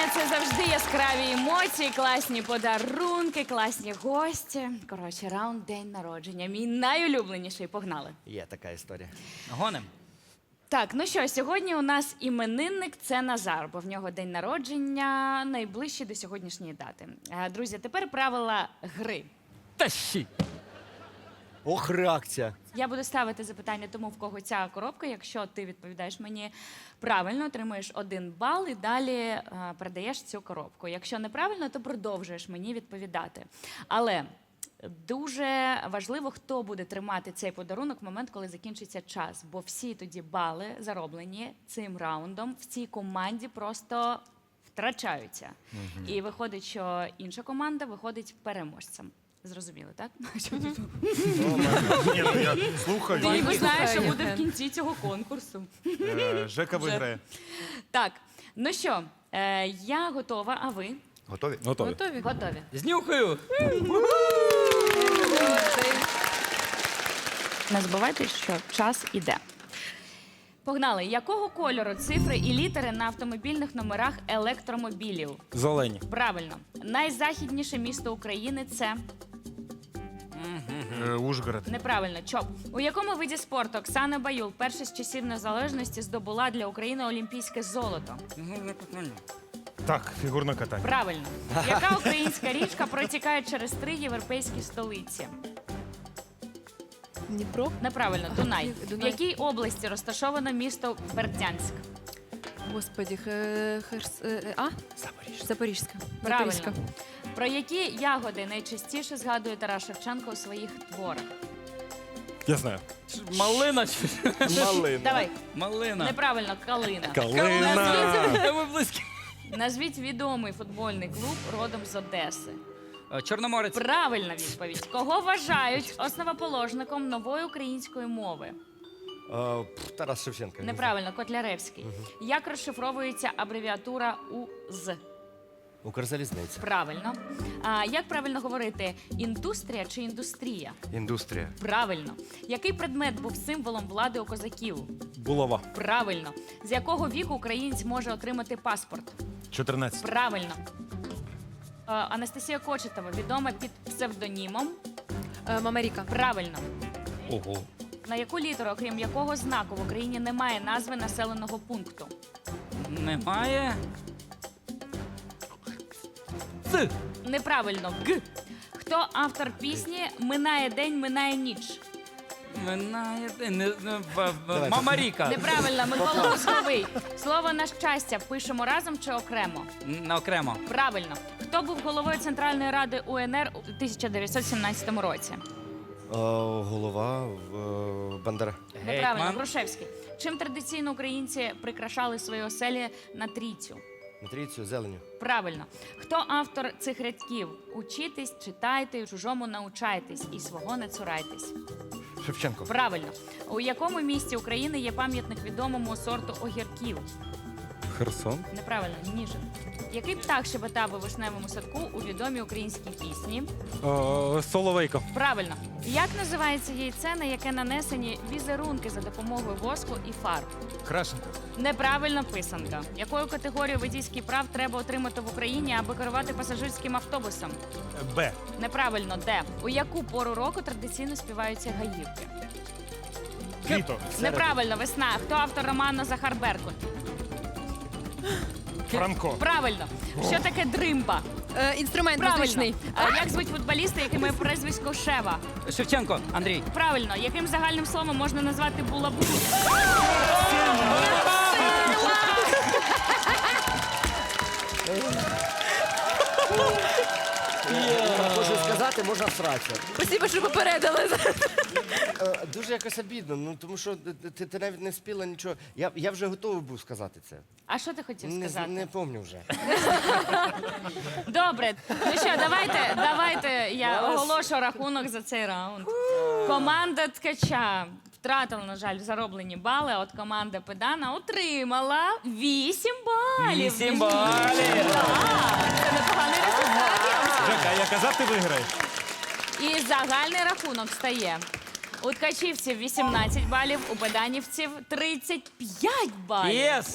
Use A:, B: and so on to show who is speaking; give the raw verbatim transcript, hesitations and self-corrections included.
A: це завжди яскраві емоції, класні подарунки, класні гості. Коротше, раунд день народження. Мій найулюбленіший. Погнали.
B: Є така історія.
C: Гоним.
A: Так, ну що, сьогодні у нас іменинник – це Назар, бо в нього день народження найближчий до сьогоднішньої дати. Е, Друзі, тепер правила гри.
C: Та щі.
B: Ох, реакція.
A: Я буду ставити запитання тому, в кого ця коробка. Якщо ти відповідаєш мені правильно, отримуєш один бал і далі е, передаєш цю коробку. Якщо неправильно, то продовжуєш мені відповідати. Але дуже важливо, хто буде тримати цей подарунок в момент, коли закінчиться час. Бо всі тоді бали, зароблені цим раундом, в цій команді просто втрачаються. І виходить, що інша команда виходить переможцем. Зрозуміли, так?
D: Ні, ну я слухаю.
A: Ти ніби знаєш, що буде в кінці цього конкурсу.
D: Е, Жека виграє.
A: Так, ну що, е, я готова, а ви?
B: Готові?
E: Готові.
F: Готові?
A: Готові.
C: Знюхаю.
A: Не забувайте, що час іде. Погнали. Якого кольору цифри і літери на автомобільних номерах електромобілів?
E: Зелені.
A: Правильно. Найзахідніше місто України – це…
D: Е, Ужгород.
A: Неправильно. Чоп. У якому виді спорту Оксана Баюл перша з часів незалежності здобула для України олімпійське золото?
D: Так, фігурне катання.
A: Правильно. Яка українська річка протікає через три європейські столиці?
F: Дніпро?
A: Неправильно. Дунай.
F: Дунай.
A: В якій області розташовано місто Бердянськ?
F: Господі, хе- херс... е, А?
B: Запоріжжя.
F: Запорізька.
A: Правильно.
F: Запорізька.
A: Про які ягоди найчастіше згадує Тарас Шевченко у своїх творах?
E: Я знаю.
C: Малина чи
E: Малина.
A: Давай.
C: малина?
A: Неправильно. Калина.
E: Калина.
C: Ви близькі.
A: Назвіть відомий футбольний клуб родом з Одеси.
C: Е, Чорноморець.
A: Правильна відповідь. Кого вважають основоположником нової української мови?
B: Е, пф, Тарас Шевченко.
A: Неправильно. Котляревський. Як розшифровується абревіатура УЗ?
B: Укрзалізниця.
A: Правильно. А, як правильно говорити? Індустрія чи індустрія?
B: Індустрія.
A: Правильно. Який предмет був символом влади у козаків?
E: Булава.
A: Правильно. З якого віку українець може отримати паспорт?
D: чотирнадцять.
A: Правильно. Е, Анастасія Кочетова відома під псевдонімом?
F: Е, Мамаріка.
A: Правильно.
E: Ого.
A: На яку літеру, окрім якого знаку, в Україні немає назви населеного пункту?
C: Немає. Ц.
A: Неправильно. Г. Хто автор пісні «Минає день, минає ніч»?
C: Минає. Не, не, в- в-
B: Давай.
C: Мамаріка.
A: Неправильно. Микола Лозовий. Слово «на щастя» пишемо разом чи окремо?
C: Н- Окремо.
A: Правильно. Хто був головою Центральної ради УНР у тисяча дев'ятсот сімнадцятому році?
B: Е, голова в е, Бандера.
A: Неправильно.
C: Гетьман.
A: Грушевський. Чим традиційно українці прикрашали свої оселі на трійцю?
B: Матрицю, зеленю.
A: Правильно. Хто автор цих рядків? Учітесь, читайте, чужому научайтесь і свого не цурайтесь.
B: Шевченко.
A: Правильно. У якому місті України є пам'ятник відомому сорту огірків?
E: Херсон.
A: Неправильно. Ніжин. Який птах щебетав у вишневому садку у відомій українській пісні?
E: Е, Соловейко.
A: Правильно. Як називається яйце, на яке нанесені візерунки за допомогою воску і фарб?
D: Крашенко.
A: Неправильна писанка. Якою категорію водійських прав треба отримати в Україні, аби керувати пасажирським автобусом?
D: Е, Б.
A: Неправильно. Де? У яку пору року традиційно співаються гаївки?
D: Літо.
A: Неправильно. Весна. Хто автор роману Захар Беркут?
D: Франко.
A: Правильно. Що таке дримба?
F: Е, Інструмент
A: Правильно.
F: музичний.
A: А як звуть футболіста, який має прізвисько Шева?
C: Шевченко. Андрій.
A: Правильно. Яким загальним словом можна назвати булаву?
B: Можу сказати, можна всратися.
F: Спасибо, що попередили.
B: Е, Дуже якось обідно, ну тому що ти, ти, ти навіть не спіла нічого. Я, я вже готовий був сказати це.
A: А що ти хотів
B: Не,
A: сказати?
B: не пам'ятаю вже.
A: Добре. Ну що, давайте, давайте я оголошу рахунок за цей раунд. Команда Ткача втратила, на жаль, зароблені бали, а от команда Педана отримала вісім балів.
C: Вісім балів.
A: Так, це непоганий результат. я вам скажу.
D: Жека, я казав, ти виграєш.
A: І загальний рахунок стає. У ткачівців вісімнадцять балів, у педанівців тридцять п'ять балів.
C: Єс!